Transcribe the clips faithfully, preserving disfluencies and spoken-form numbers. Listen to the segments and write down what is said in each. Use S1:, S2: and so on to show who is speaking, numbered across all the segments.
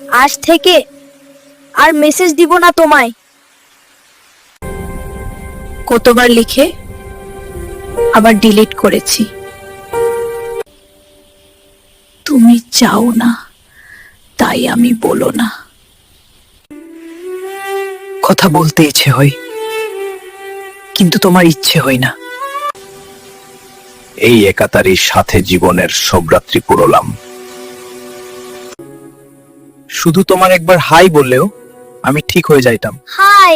S1: আজ থেকে আর মেসেজ দিব না তোমায়। কতবার লিখে আবার ডিলিট করেছি। তুমি চাও না তাই আমি বলো না।
S2: কথা বলতে ইচ্ছে হয়, কিন্তু তোমার ইচ্ছে হয় না।
S3: এই একাতারির সাথে জীবনের সব রাত্রি পুরোলাম।
S2: শুধু তোমার একবার হাই বললেও আমি ঠিক হয়ে যাইতাম।
S1: হাই।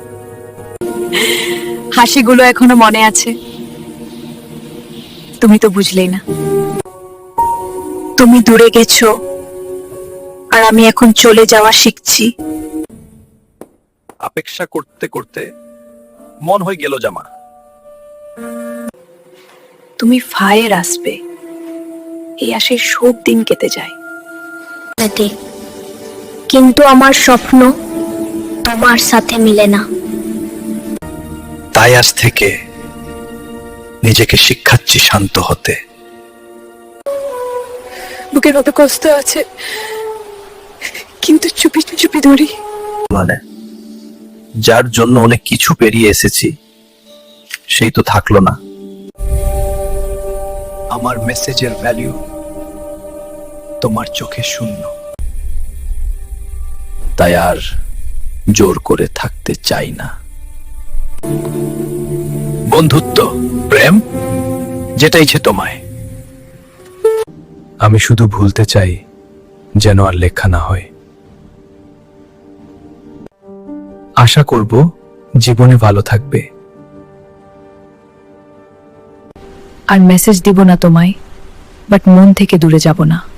S2: হাসিগুলো এখনো মনে আছে, তুমি তো বুঝলেই না।
S1: তুমি দূরে গেছো আর আমি এখন চলে যাওয়া শিখছি।
S3: অপেক্ষা করতে করতে মন হয়ে গেল জামা।
S2: তুমি ফায়ের আসবে, এই আসে সব দিন কেটে যায়।
S1: কিন্তু আমার স্বপ্ন তোমার সাথে মিলে না।
S3: তাই আজ থেকে নিজেকে শিক্ষাচ্ছি শান্ত হতে।
S2: বুকের মতো কষ্ট আছে, কিন্তু চুপি চুপি ধরি।
S3: মানে যার জন্য অনেক কিছু পেরিয়ে এসেছি সেই তো থাকলো না। আমার মেসেজের ভ্যালু তোমার চোখে শূন্য। তাই আর জোর করে থাকতে চাই না। বন্ধুত্ব, প্রেম যেটা ইচ্ছে তোমায়। আমি শুধু ভুলতে চাই যেন আর লেখা না হয়। আশা করব জীবনে ভালো থাকবে।
S2: আর মেসেজ দিব না তোমায়, বাট মন থেকে দূরে যাব না।